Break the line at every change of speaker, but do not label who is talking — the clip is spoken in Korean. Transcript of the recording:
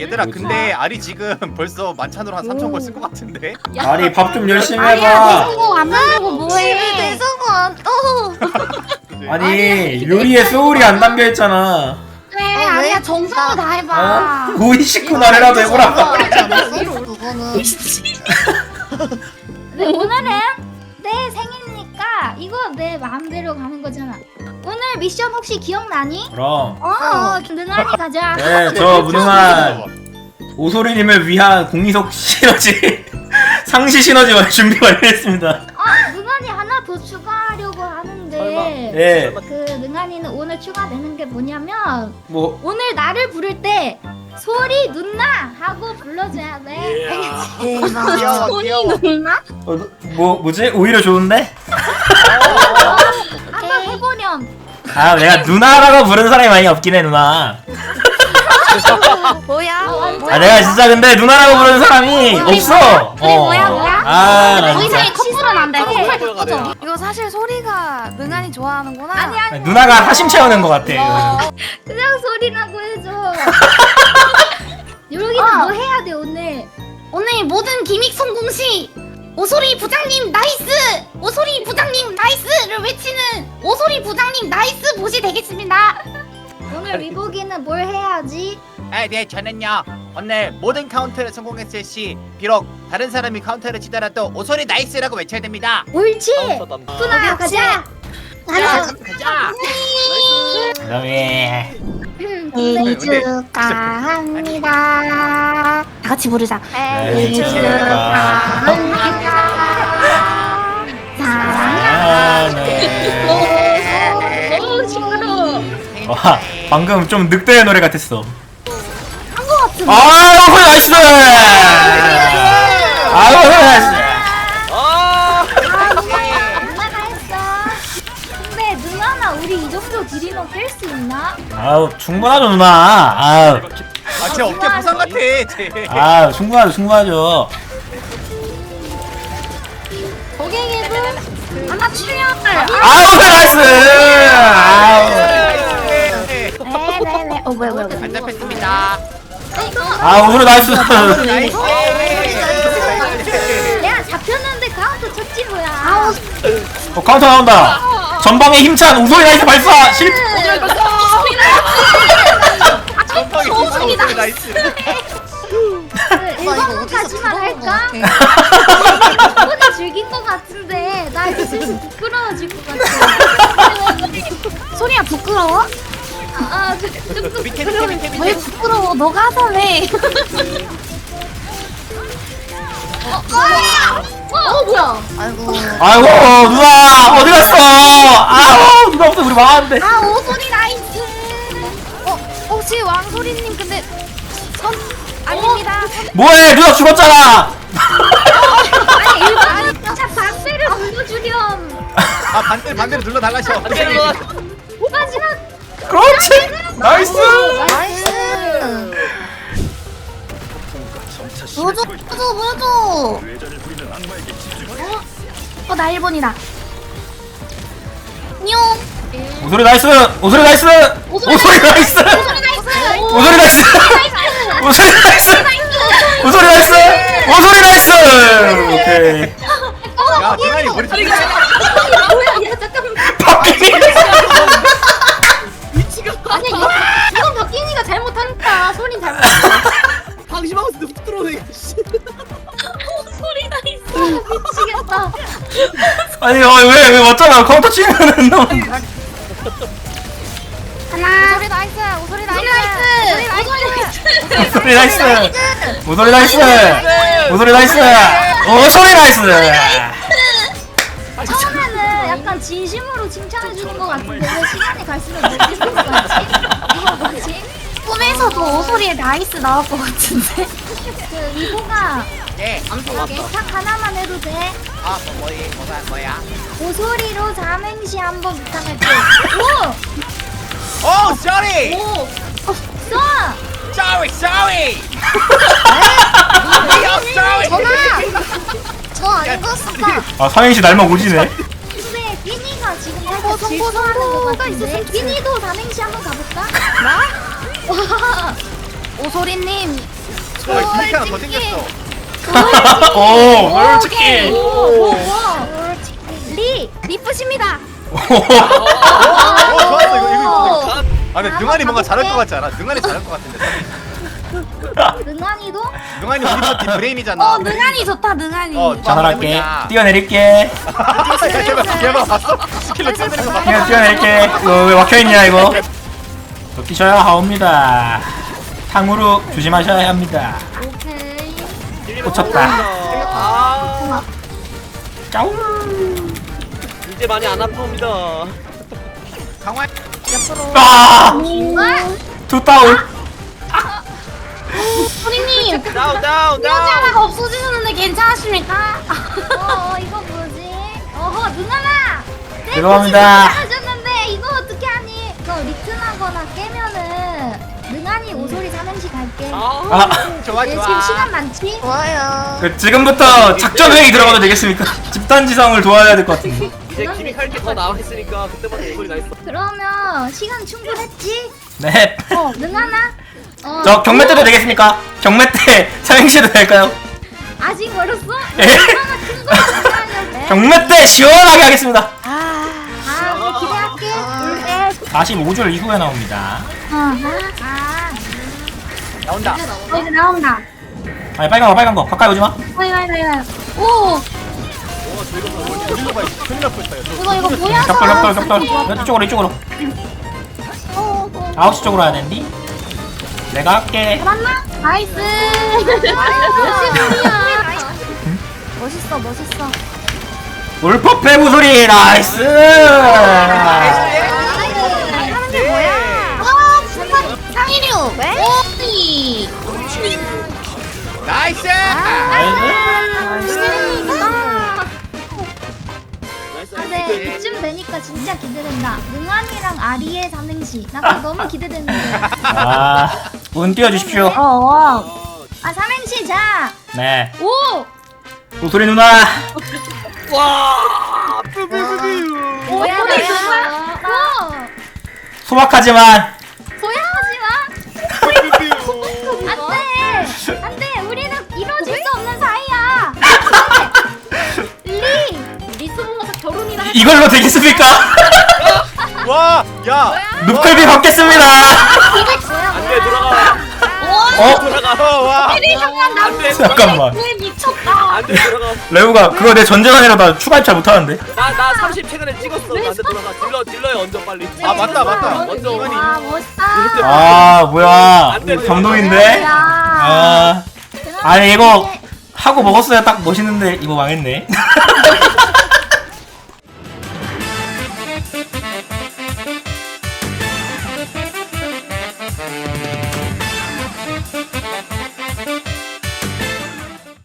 얘들아
뭐지?
근데 알이 지금 벌써 만찬으로 한 3,000걸 쓴 것 같은데?
아리 밥 좀 열심히
아니야
해봐.
대성공 안 만들고 뭐해?
대성공 안 떠.
아니 요리에 소울이 안 담겨 있잖아.
그래 아니야 정성을 다 해봐.
오이시쿠나래라도 해보라.
그거는
근데 오늘은 내 생일이니까 이거 내 마음대로 가는 거잖아. 오늘 미션 혹시 기억나니?
그럼.
능한이 가자.
네, 저 무능한 오소리님을 위한 공이석 시너지 상시 시너지 준비 완료했습니다.
능한이 하나 더 추가하려고 하는데
예.
그 능한이는 오늘 추가되는 게 뭐냐면
뭐
오늘 나를 부를 때 소리 누나 하고 불러줘야 돼. 알겠지?
귀여워 귀여워.
누나?
뭐지? 오히려 좋은데?
한번 해보렴.
아 내가 누나라고 부르는 사람이 많이 없긴 해 누나.
뭐야?
아 내가 진짜 근데 누나라고 부르는 사람이 없어.
뭐야?
아 나
더
진짜.
이상의 커플은 안 돼. 커플
커플
바꿔줘.
이거 사실 소리가 능한이 좋아하는구나.
아니
누나가 하심 채우는 것 같아. 이거는.
그냥 소리라고 해줘. 여기는 뭐 해야 돼 오늘? 오늘 모든 기믹 성공 시 오소리 부장님 나이스! 오소리 부장님 나이스를 외치는 오소리 부장님 나이스 보시 되겠습니다. 오늘 위복이는 뭘 해야지?
네 저는요 오늘 모든 카운터를 성공했을 시 비록 다른 사람이 카운터를 치더라도 오소리 나이스라고 외쳐야 됩니다.
옳지! 누나 가자!
가자.
그다음에
생일 축하합니다. 다 같이 부르자.
생일
축하합니다. 사랑하는 오 징그러워.
와 방금 좀 늑대의 노래 같았어.
한거 같은데.
아유 소리 나이스. 아유 소리 나이스.
누나가 했어. 근데 누나나 우리 이 정도 딜이면 깰 수 있나?
아유 충분하죠 누나. 아유
제 어깨 부상 같아 쟤.
아유 충분하죠.
고객님은 하나 출연.
아유 소리 나이스. 아유
네네네. 뭐야.
안 잡혔습니다.
아유 소리 나이스.
나이스.
내가 잡혔는데 카운터 쳤지 뭐야. 아우.
카운터 나온다. 전방에 힘찬 우소리 나이스 발사 실.
전방에 오소리 나이스.
일본 가지만 할까? 이번에 즐긴 것 같은데 나 이제 슬슬 부끄러워질 것 같아. 소리야 부끄러워? 좀
밑에
왜 부끄러워? 너가 하자래. 뭐야?
아이고.
아이고 누나 어디 갔어? 아우 누나 없어 우리 망하는데.
아 오소리 나이스.
혹시 왕소리님 근데 선 아닙니다.
뭐해 누나 죽었잖아.
아니 일본 진짜 반대를 불러주렴.
아 반대로 눌러달라셔.
마지막.
그렇지 나이스.
나이스. 보여줘.
나 일본이다. 뇽.
오소리 나이스. 오소리 나이스. 오소리 나이스. 오소리 나이스. 오소리 나이스. 오소리 나이스. 오소리 나이스. 오케이.
야 대가리 머리 좀.
뭐야? 야 잠깐만.
바뀌니.
아니 이건 박gin이가 잘못하니까 소린 잘못.
방심하고 뚝 들어오네.
소리 나있어. 미치겠다.
아니 왜 맞잖아 카운터 치면은 너.
하나.
오소리 나이스. 오소리 나이스.
오소리 나이스. 오소리 나이스. 오소리 나이스. 오소리 나이스.
처음에는 약간 진심으로 칭찬해주는 것 같은데 왜 시간이 갈수록 느끼는 것 같지? 이거 뭐지? 꿈에서도 오소리에 나이스 나올 것 같은데? 그 위보가
예.
예탁 하나만 해도 돼?
뭐야?
오소리로 삼행시 한번 부탁할게.
오, sorry.
오! 써!
Sorry.
저 아닌 것 같습니다.
아 삼행시 날막 오지네.
근데 끼니가 지금 살짝 질투하는 것 같은데? 끼니도 삼행시 한번 가볼까? 나?
오소리님
기믹 하나 더 생겼어.
오 솔직히.
리프십니다.
좋았어 이거. 아 근데 능한이 뭔가 잘할 것 같지 않아? 능한이 잘할 것 같은데.
능한이도?
능한이 우리 파티 브레인이잖아.
능한이 좋다 능한이.
잘할게. 뛰어내릴게.
걔봐 봤어? 스킬로 뛰어내는 거 봤어?
뛰어낼게. 이거 왜 막혀있냐 이거. 뛰셔야 하옵니다. 탕후루 조심하셔야 합니다.
오케이.
꽂혔다.
아
짜우.
이제 많이 안 아픕니다.
강화.
아! 두 다운.
소리님
다운 다운
뼈지
다운.
하나가 없어지셨는데 괜찮으십니까?
이거 뭐지? 어허, 능하나.
죄송합니다.
하셨는데 이거 어떻게 하니? 너 리튼하거나 깨면은 능한이 오소리 삼행시 갈게.
아,
좋아
얘 지금
좋아.
시간 많지? 좋아요.
그 지금부터 작전 회의 들어가도 되겠습니까? 집단 지성을 도와야 될 것 같은데.
이제 기믹 할게 더 나와 있으니까 그때마다 소리 나 있어.
그러면 시간 충분했지?
네.
능하나?
저 경매 때도 되겠습니까? 경매 때 삼행시도 될까요?
아직 멀었어?
예.
얼마나 큰거 기대하려고?
경매 때 시원하게 하겠습니다.
기대할게.
45줄 이후에 나옵니다.
나온다.
이제 나온다.
아니 빨간 거 가까이 오지 마.
이거. 오
일로가 있어. 큰일 날 뻔했다.
이거 뭐야?
격돌. 이쪽으로. 9시 쪽으로 와야 되는데. 내가 할게.
맞나? 나이스.
멋있어.
울퍼 패부 소리 나이스.
하는 게 뭐야?
상일류. 오이.
나이스.
근데 이쯤 되니까 진짜 기대된다. 능한이랑 아리의 삼행시. 나 그거 너무 기대되는데.
운 띄워주십시오.
삼행시 자.
네.
오.
우소리 누나.
와. 뿌뿌뿌뿌.
뭐야?
소박하지만
안돼. 우리는 이루어질 수 없는 사이야.
리스모가 결혼이나 해.
이걸로 되겠습니까?
와, 야.
눕클비 받겠습니다.
안돼 돌아가. 돌아가.
와.
안돼
잠깐만.
왜 미쳤다.
안돼 돌아가.
레오가 그거 내 전재산이라 나 추가입 잘 못하는데.
나 30 최근에 찍었어. 나한테 돌아가. 딜러에 얹어 빨리.
아 맞다.
먼저
이건이.
멋있다.
뭐야.
안 돼,
감동인데?
야.
아니 이거 하고 먹었어야 딱 멋있는데 이거 망했네.